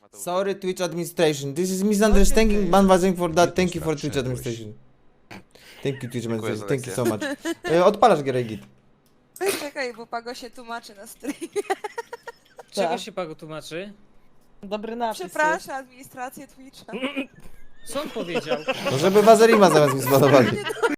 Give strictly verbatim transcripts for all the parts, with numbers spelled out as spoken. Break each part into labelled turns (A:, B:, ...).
A: Sorry Twitch administration, this is misunderstanding, ban was for that, thank you for Twitch administration. Thank you Twitch administration, thank you so much. E, Odpalasz gierę git.
B: Czekaj, bo Pago się tłumaczy na streamie.
C: Czego się Pago tłumaczy?
D: Dobry napis.
B: Przepraszam administrację Twitcha.
C: Co on powiedział?
A: No żeby Wazerima zamiast mi zbanowali.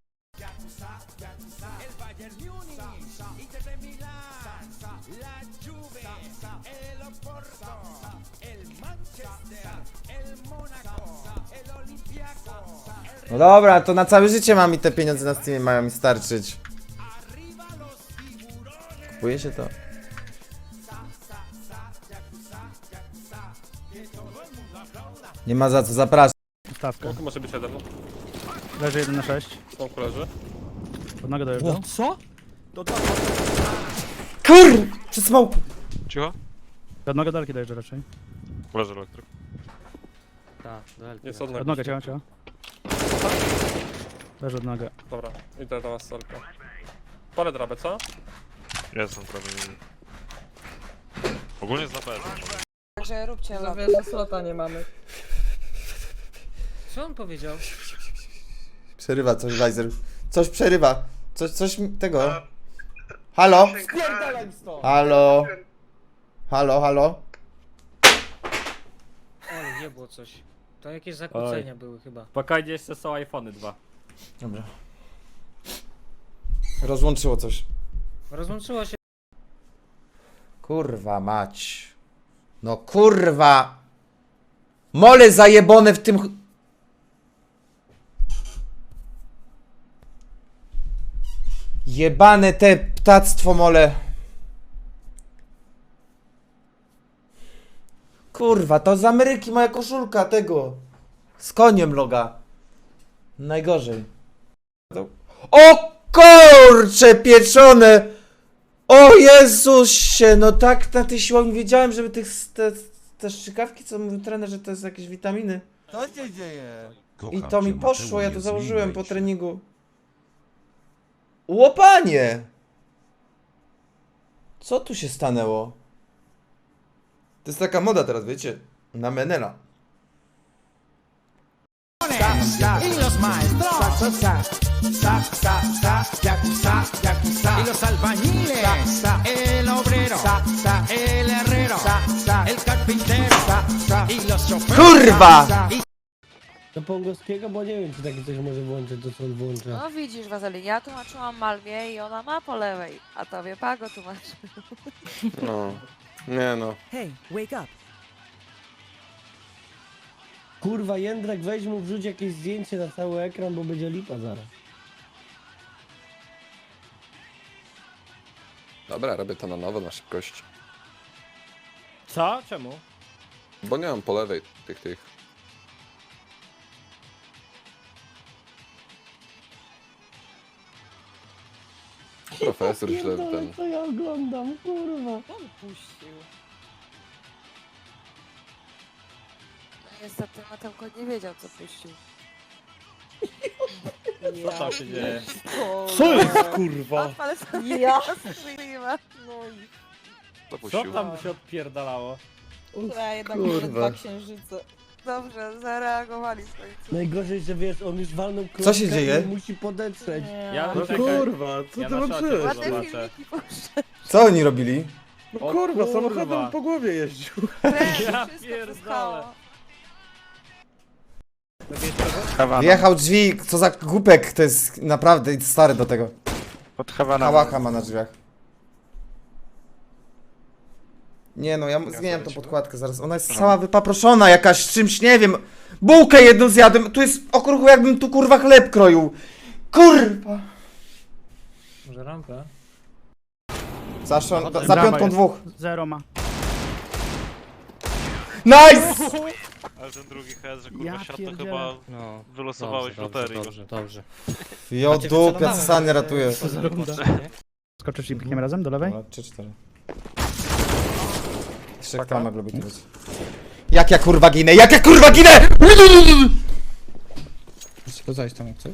A: No dobra, to na całe życie mam i te pieniądze na Steamie mają mi starczyć. Kupuje się to. Nie ma za co, zapraszam.
E: Stawkę.
F: To może być jeden.
E: Leży jeden na sześć.
F: Są leży.
E: Pod nogę dojeżdżał.
D: Co?
A: Kur! Przez smoke!
F: Cicho?
E: Pod nogę daleki dojeżdża raczej.
F: Leży elektryk.
C: Tak,
F: Jest od
E: Pod nogę, ciała, ciała. Leży od nogę.
F: Dobra, idę do was solkę. Parę drabę, co? Jestem prawie. Ogólnie jest na pewno.
B: Także róbcie
D: Za
B: lobby.
D: wiele slota nie mamy.
C: Co on powiedział?
A: Przerywa coś, Weiser. Coś przerywa. Coś, coś mi- tego. Halo? Halo? Halo, halo?
C: Ale nie było coś. To jakieś zakłócenia były chyba.
G: Spokojnie, jeszcze są iPhony dwa.
A: Dobra. Rozłączyło coś.
C: Rozłączyło się.
A: Kurwa mać. No kurwa. Mole zajebone w tym... ch- Jebane te ptactwo mole. Kurwa, to z Ameryki moja koszulka tego. Z koniem loga. Najgorzej. O kurcze pieczone! O Jezusie, no tak na tej siłowni wiedziałem, żeby tych te, te strzykawki, co mówił trener, że to jest jakieś witaminy.
H: Co się dzieje?
A: I to mi poszło, ja to założyłem po treningu. Łopanie! Co tu się stanęło? To jest taka moda teraz, wiecie? Na Menela.
H: Y los maestros. Sa, sa, sa, sa, sa, yakuza, yakuza. Y los albañiles. Sa, el obrero. Sa, sa, el herrero. Sa, sa, el carpintero. Sa, sa, y los choferes.
A: Kurwa!
I: Do Pongowskiego, bo nie wiem, czy takie coś może włączyć, to co on włącza.
B: No widzisz, Wazeli, ja tłumaczyłam Malwie i ona ma po lewej, a tobie Pago tłumaczy.
F: No. Nie no.
D: Hey, wake up.
I: Kurwa, Jędrek, weź mu wrzuć jakieś zdjęcie na cały ekran, bo będzie lipa zaraz.
J: Dobra, robię to na nowo, na szybkość.
G: Co? Czemu?
J: Bo nie mam po lewej tych, tych. Profesor źle ten.
I: Co ja oglądam, kurwa.
D: On puścił.
B: No niestety Matełko nie wiedział, co puścił.
G: Co tam się dzieje?
D: Co
E: jest, kurwa?
B: Odpalę sobie
D: Ja.
B: streama.
D: No i
G: Co
J: Zapuścił.
G: tam się odpierdalało?
D: ja jednak
A: Kurwa.
D: mamy dwa księżyce.
B: Dobrze, zareagowali w końcu.
I: Najgorzej, że wiesz, on już walnął klockę
A: Co się dzieje?
I: i musi podetrzeć.
D: Nie.
G: Ja
E: No
G: czekaj.
E: kurwa, co
G: Ja
E: ty
G: na czacie
E: włączyłeś?
B: Ładne
G: zobaczę.
B: filmiki puszczę.
A: Co oni robili?
E: No
G: O
E: kurwa,
G: kurwa.
E: samochodem po głowie jeździł.
B: Kręć,
G: Ja
B: wszystko
G: pierdolę.
B: wszystko.
A: Wjechał drzwi, co za głupek, to jest naprawdę stary do tego.
F: Pod Hawana.
A: Hałacha ma na drzwiach. Nie no, ja zmieniam tą podkładkę zaraz. Ona jest cała wypaproszona jakaś czymś, nie wiem. Bułkę jedną zjadłem. Tu jest okruchu, jakbym tu kurwa chleb kroił. Kurwa.
C: Może rampę?
A: Za, szon, za piątką dwóch.
E: Zero ma.
A: Nice!
F: Ale ten drugi head, że
E: Ja pierdzielę.
C: No.
F: wylosowałeś
C: dobrze,
F: w loterii.
C: Dobrze, dobrze.
A: Jo dupia, Sanie ratuje.
E: Skoczysz i biegniemy razem do lewej?
A: trzy cztery. Jeszcze kto ma lubić być. Jak ja kurwa ginę, jak ja kurwa ginę!
H: Chcesz zajść tam jak coś?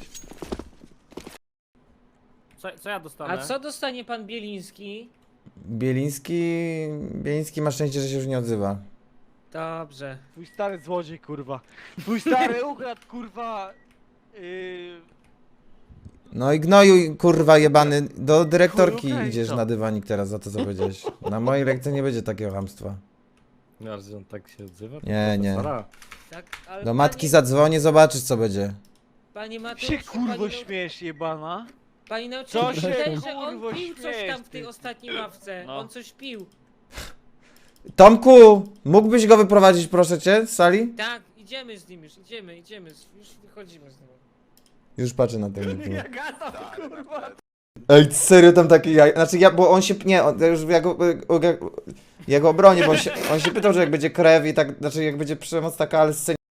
G: Co, co ja dostanę?
C: A co dostanie pan Bieliński?
A: Bieliński... Bieliński ma szczęście, że się już nie odzywa.
C: Dobrze.
G: Twój stary złodziej, kurwa. Twój stary ukradł, kurwa. Yy...
A: No i gnoju, kurwa jebany, do dyrektorki
G: Chuj, okej,
A: idziesz
G: co?
A: na dywanik teraz za to, co powiedziałeś. Na mojej lekcji nie będzie takiego chamstwa.
F: No, ale on tak się odzywa?
A: Nie, nie.
C: Tak, ale
A: Do matki
C: pani,
A: zadzwonię, zobaczysz co będzie.
C: Pani Mateusz,
G: Się
C: pani
G: kurwo
C: nau-
G: śmiesz, jebana.
C: Pani nauczyciel
G: Co
C: mi
G: się,
C: wydaje, że on
G: kurwo,
C: pił coś
G: śmiesz,
C: tam w tej
G: ty?
C: ostatniej ławce.
G: No.
C: On coś pił.
A: Tomku, mógłbyś go wyprowadzić proszę cię z sali?
C: Tak, idziemy z nim już, idziemy, idziemy, już wychodzimy z nim.
A: Już patrzę na ten.
G: Gada, kurwa.
A: Ej, serio tam taki jaj... Znaczy ja, bo on się... Nie, on, ja już ja go, ja, ja go obronię, bo on się, on się pytał, że jak będzie krew i tak... Znaczy jak będzie przemoc taka, ale scenie